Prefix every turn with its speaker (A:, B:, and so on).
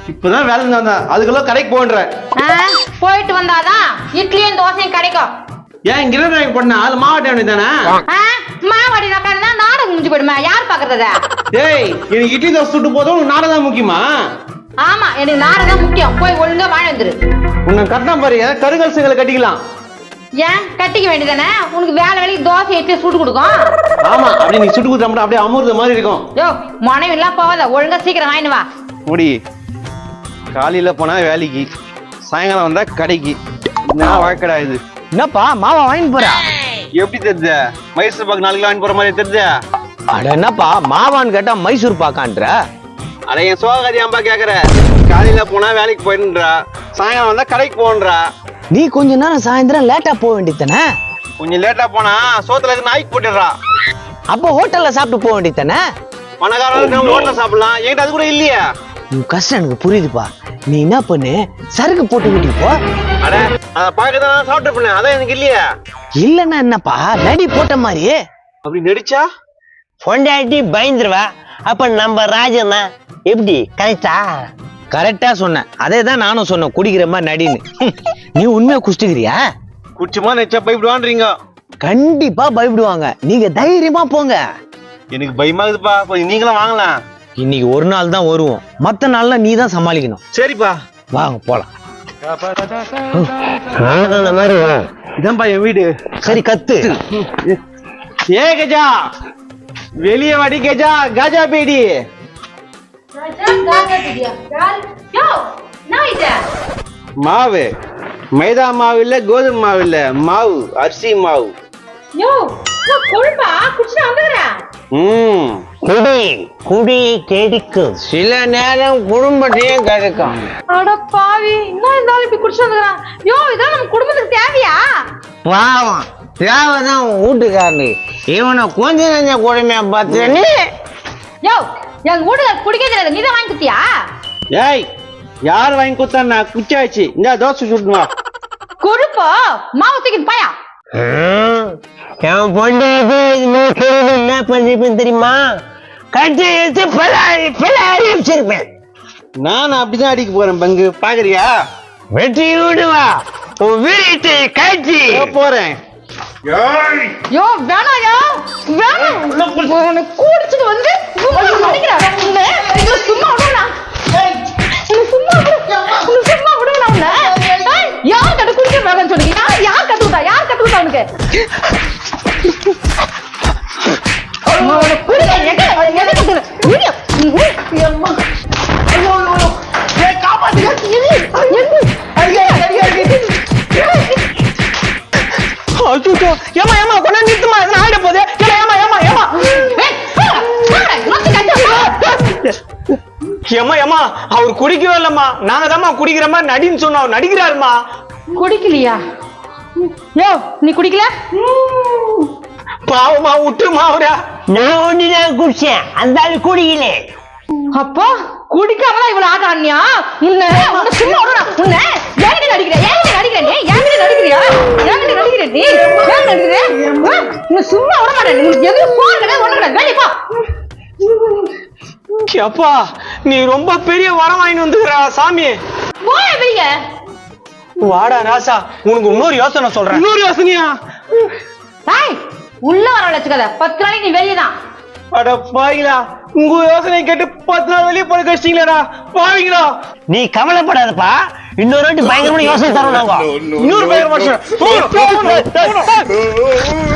A: இப்பதான் வேலை வந்தா அதுக்குள்ள கடைக்கு போன்ற
B: போயிட்டு வந்தாதான் இட்லியும் தோசையும் கிடைக்கும்.
A: ஏன் இங்க பண்ண அது மாவட்ட வேண்டியதானே?
B: மாவாடி உட்காந்து நாடகம் முடிஞ்சு போயிடுமா? யார் பாக்குறத?
A: டேய் எனக்கு இட்லி தோசை சுட்டு போதும் உனக்கு நாடகம் முக்கியமா?
B: ஆமா எனக்கு நாடகம் முக்கியம். போய் ஒழுங்கா வாழ வந்துரு.
A: உன்னை கட்டினா பாரு கருங்கல் செங்கலை கட்டிக்கலாம்.
B: ஏன் கட்டிக்க வேண்டியதானே? உனக்கு வேலை வேலைக்கு தோசை இட்லி சுட்டு கொடுக்கும்.
A: ஆமா அப்படி நீ சுட்டு கொடுத்தா அப்படியே அமுர்த மாதிரி இருக்கும்.
B: யோ மனைவி எல்லாம் போவாத, ஒழுங்கா சீக்கிரம் வாங்கினு வா.
A: முடி காலையில போனா வேலைக்கு, சாயங்காலம் வந்தா கடைக்கு. நான் வாழ்க்கடா இது.
C: என்னப்பா மாவா வாங்கிட்டு போற?
A: எப்படி தெரிஞ்ச? மைசூர் பாக்கு 4 கிலோ வாங்கி போற மாதிரி தெரிஞ்ச?
C: அட என்னப்பா மாவான்னு கேட்டா மைசூர் பாக்கான்ற?
A: அட என் சோகாதி அம்பா கேக்குற. காலையில போனா வேலைக்கு போயிடுன்றா, சாயங்காலம் வந்தா கடைக்கு போன்றா.
C: நீ கொஞ்ச நேரம் சாயந்தரம் லேட்டா போக வேண்டியதானே?
A: கொஞ்சம் லேட்டா போனா சோத்துல இருக்கு நாய்க்கு போட்டுடுறா.
C: அப்போ ஹோட்டல்ல சாப்பிட்டு போக வேண்டியதானே?
A: பணக்காரங்க ஹோட்டல்ல சாப்பிடலாம், என்கிட்ட அது கூட இல்லையா?
C: உன் கஷ்டம் எனக்கு புரியுதுப்பா. நீ என்ன பண்ணு, சரக்கு போட்டு வீட்டுக்கு போ.
A: அட அத பாக்கதான் சாப்பிட்டு பண்ண, அதான் எனக்கு இல்லையா?
C: இல்லன்னா என்னப்பா நடி போட்ட மாதிரி
A: அப்படி நடிச்சா
D: பொண்டாட்டி பயந்துருவா. அப்ப நம்ம ராஜனா எப்படி? கரெக்டா?
C: கரெக்டா சொன்னேன். அதே தான் நானும் சொன்னேன், குடிக்கிற மாதிரி நடின்னு. நீ உண்மையா குடிச்சுக்கிறியா?
A: குடிச்சுமா நினைச்சா பயப்படுவான்றீங்க.
C: கண்டிப்பா பயப்படுவாங்க. நீங்க தைரியமா போங்க.
A: எனக்கு பயமாகுதுப்பா, கொஞ்சம் நீங்களும் வாங்கலாம்.
C: இன்னைக்கு ஒரு நாள் தான் வருவோம், மத்த நாள்ல நீ தான் சமாளிக்கணும்.
A: சரிப்பா
C: வாங்க போலாம்.
A: இதான்பா என் வீடு.
C: சரி கத்து.
A: ஏ கஜா வெளிய வாடி கஜா, கஜா பேடி. மாவு மைதா மாவு இல்ல, கோதுமை மாவு இல்ல, மாவு அரிசி மாவு.
D: குடி குடி கெடுக்கும், சில நேரம் குடும்பத்தையும் கெடுக்கும்.
B: அட பாவி, இன்னும் இருந்தாலும் இப்படி குடிச்சு வந்துக்கிறான். யோ இதான் நம்ம குடும்பத்துக்கு தேவையா?
D: பாவம் தேவைதான் வீட்டுக்காரனு. இவனை கொஞ்ச நஞ்ச கொடுமையா பார்த்தேன்னு.
B: யோ எங்க வீட்டுக்கு குடிக்க தெரியாது, நீதான் வாங்கி குத்தியா?
A: ஏய் யார் வாங்கி கொடுத்தா? குச்சாச்சு இந்த தோசை சுட்டுமா.
B: கொழுப்போ மாவு தூக்கிட்டு பாயா.
D: என் பொண்டாட்டி என்ன பண்ணிருப்பேன் தெரியுமா? கட்டி எடுத்து பிள்ளாரி வச்சிருப்பேன்.
A: நான் அப்படிதான் அடிக்க போறேன் பங்கு, பாக்குறியா?
D: வெற்றி விடுவா உன் வீட்டை காட்சி
A: போறேன்.
B: யோ வேணாம், யோ வேணாம். குடிச்சிட்டு வந்து சும்மா விடுவா. சும்மா விடுவா. யார் கட்டு குடிக்க வேணாம்னு சொல்லுங்க? யார் கத்துக்கிட்டா? யார் கத்துக்கிட்டா உனக்கு?
C: அவர் குடிக்கவே இல்லம்மா, நாங்க தான் குடிக்கிற மாதிரி நடின்னு சொன்னோம். நடிக்கிறாருமா.
B: குடிக்கலையா? யோ நீ குடிக்கல?
C: பாவமா விட்டுருமா அவரா.
D: நான் ஒண்ணுதான் குடிச்சேன், அந்த ஆளு குடிக்கல.
B: அப்போ குடிக்காமலாம் இவ்வளவு ஆட்டம் ஆடினியா? உன்னை சும்மா உன்னை ஏன் நடிக்கிற? ஏன் நடிக்கிற நீ? ஏன் நடிக்கிறியா? ஏன் நடிக்கிற நீ? ஏன் நடிக்கிற? நீ சும்மா விட மாட்டேன். நீ எதுவும் போறல ஒண்ணு வெளிய போ.
C: அப்பா நீ ரொம்ப பெரிய வரம் வாங்கி வந்துக்கிறா சாமி.
B: போய் வெளிய
C: வாடா ராசா, உனக்கு இன்னொரு யோசனை சொல்றேன். இன்னொரு யோசனையா?
B: உள்ள வர வச்சுக்காத. 10 நாளைக்கு நீ வெளியதான்.
A: அட பாவிங்களா, உங்க யோசனை கேட்டு 10 நாள் வெளியே போட கஷ்டீங்களா பாவிங்களா.
D: நீ கவலைப்படாதப்பா, இன்னொரு வாட்டி பயங்கரமான யோசனை தரோம் நாங்க.
A: இன்னொரு பயங்கரமான